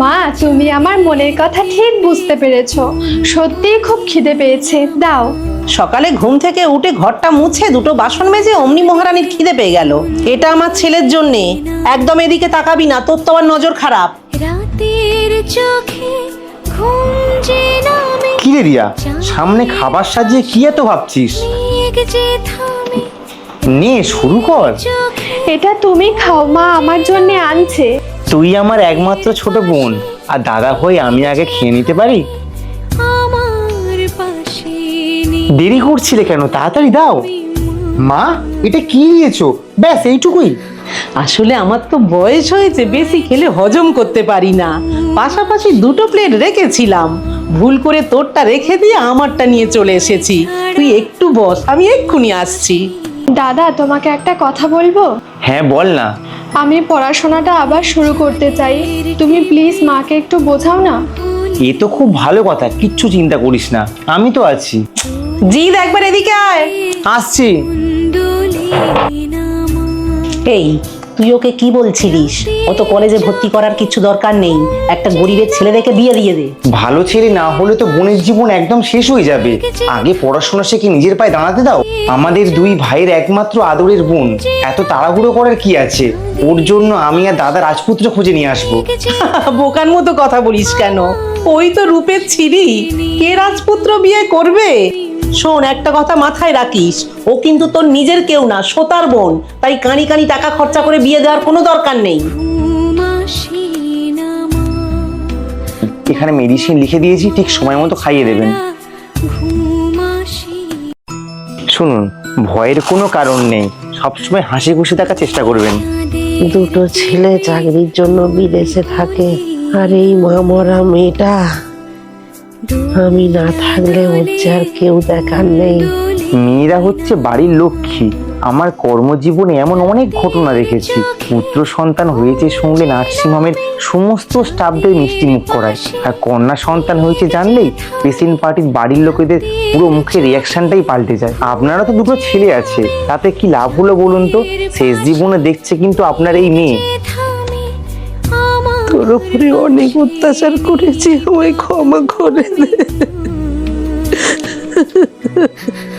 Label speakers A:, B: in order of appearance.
A: মা, তুমি আমার মনের কথা ঠিক বুঝতে পেরেছো। সত্যিই খুব খিদে পেয়েছে, দাও।
B: সকালে ঘুম থেকে উঠে ঘরটা মুছে দুটো বাসন মেজে অমনি মহারানীর খিদে পেয়ে গেল। এটা আমার ছেলের জন্যে। একদম এদিকে তাকাবি না, তোর তো আমার নজর খারাপ।
C: রাতের চোখে ঘুম যে নামে,
D: কি রে রিয়া, সামনে খাবার সাজিয়ে কি এত ভাবছিস?
C: মেঘ যে থামে
D: নে শুরু কর।
C: চোখে
A: এটা তুমি খাও, মা আমার জন্য আনছে।
D: তুই আমার একমাত্র ছোট বোন, আর দাদা হয়ে আমি আগে খেয়ে নিতে পারি?
C: আমার পাশে নেই।
D: দেরি করছিলে কেন, তাড়াতাড়ি দাও। মা, এটা কি দিয়েছো? ব্যাস এইটুকুই?
B: আসলে আমার তো বয়স হয়েছে, বেশি খেলে হজম করতে পারি না। পাশাপাশি দুটো প্লেট রেখেছিলাম, ভুল করে তোরটা রেখে দিয়ে আমারটা নিয়ে চলে এসেছি। তুই একটু বস, আমি এক্ষুনি আসছি।
A: দাদা, তোমাকে একটা কথা বলবো।
D: হ্যাঁ বল না।
A: আমি পড়াশোনাটা আবার শুরু করতে চাই, তুমি প্লিজ মাকে একটু বোঝাও না।
D: এ তো খুব ভালো কথা, কিচ্ছু চিন্তা করিস না, আমি তো আছি।
B: জিদ, একবার এদিকে আয়।
D: আসছি।
C: দোলে নামা
B: এই, তুই ওকে কি বলছিলিস? ও তো কলেজে ভর্তি করার কিছু দরকার নেই, একটা গরিবের ছেলে দেখে বিয়ে দিয়ে দে।
D: ভালো ছেলে না হলে তো বোনের জীবন একদম শেষ হয়ে যাবে। আগে পড়াশোনা শিখে নিজের পায়ে দাঁড়াতে দাও। আমাদের দুই ভাইয়ের একমাত্র আদরের বোন, এত তাড়াহুড়ো করার কি আছে? ওর জন্য আমি আর দাদা রাজপুত্র খুঁজে নিয়ে আসবো।
B: বোকার মতো কথা বলিস কেন? ওই তো রূপের ছিরি, কে রাজপুত্র বিয়ে করবে? শোন, একটা কথা মাথায় রাখিস, ও কিন্তু তোর নিজের কেউ না, সোতার বোন। তাই কানি কানি টাকা খরচা করে বিয়ে দেওয়ার কোনো দরকার নেই।
C: ঘুম আসে না মা,
D: এখানে মেডিসিন লিখে দিয়েছি, ঠিক সময় মতো খাইয়ে দেবেন।
C: ঘুম আসে
D: শুনুন, ভয়ের কোনো কারণ নেই, সবসময় হাসি খুশি থাকার চেষ্টা করবেন।
E: দুটো ছেলে চাকরির জন্য বিদেশে থাকে, আর এই মামরা মেয়েটা, আমি না থাকলে ওর যে আর কেউ দেখার নেই।
D: মেয়েরা হচ্ছে বাড়ির লক্ষ্মী। আমার কর্মজীবনে এমন অনেক ঘটনা দেখেছি। পুত্র সন্তান হয়েছে শুনলে নার্সিংহোমের সমস্ত স্টাফদের মিষ্টি মুখ করায়, আর কন্যা সন্তান হয়েছে জানলেই পেশেন্ট পার্টির বাড়ির লোকেদের পুরো মুখের রিয়াকশনটাই পাল্টে যায়। আপনারা তো দুটো ছেলে আছে, তাতে কি লাভ হলো বলুন তো? শেষ জীবনে দেখছে কিন্তু আপনার এই মেয়ে।
C: থামে আমার
E: তোর উপরে অনেক অত্যাচার করেছি, আমায় ক্ষমা করে দে।